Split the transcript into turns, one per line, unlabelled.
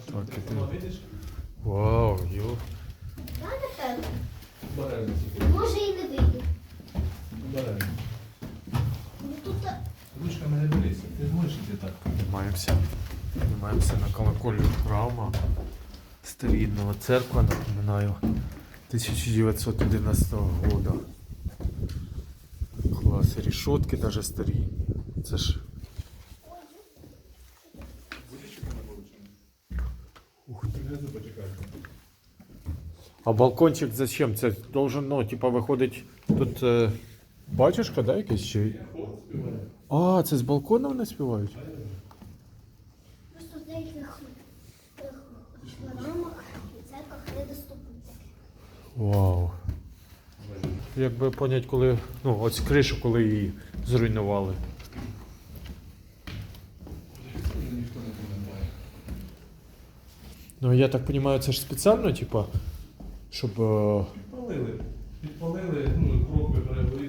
Так,
Сама видиш?
Вау, йо.
Я напевно.
Обережно.
Може і не вийду.
Обережно.
Ну тут
Ручками не боліться. Ти зможеш іти так?
Піднімаємося на колоколю храма старинного церква, напоминаю, 1911 года. Клас, і решетки даже старі. Це ж... Ух ти.
Внизу почекайте.
А балкончик зачем? Це должен, ну, типа, виходить, тут батюшка, да, якийсь чи? А, це з балкона вони співають?
просто в деяких храмах і церквах недоступно таке.
Вау. Якби понять, коли, ну, ось кришу, коли її зруйнували.
Ніхто не пам'ятає.
Ну, я так розумію, це ж спеціально, типа, щоб...
Підпалили. Підпалили, ну, кров прибрали.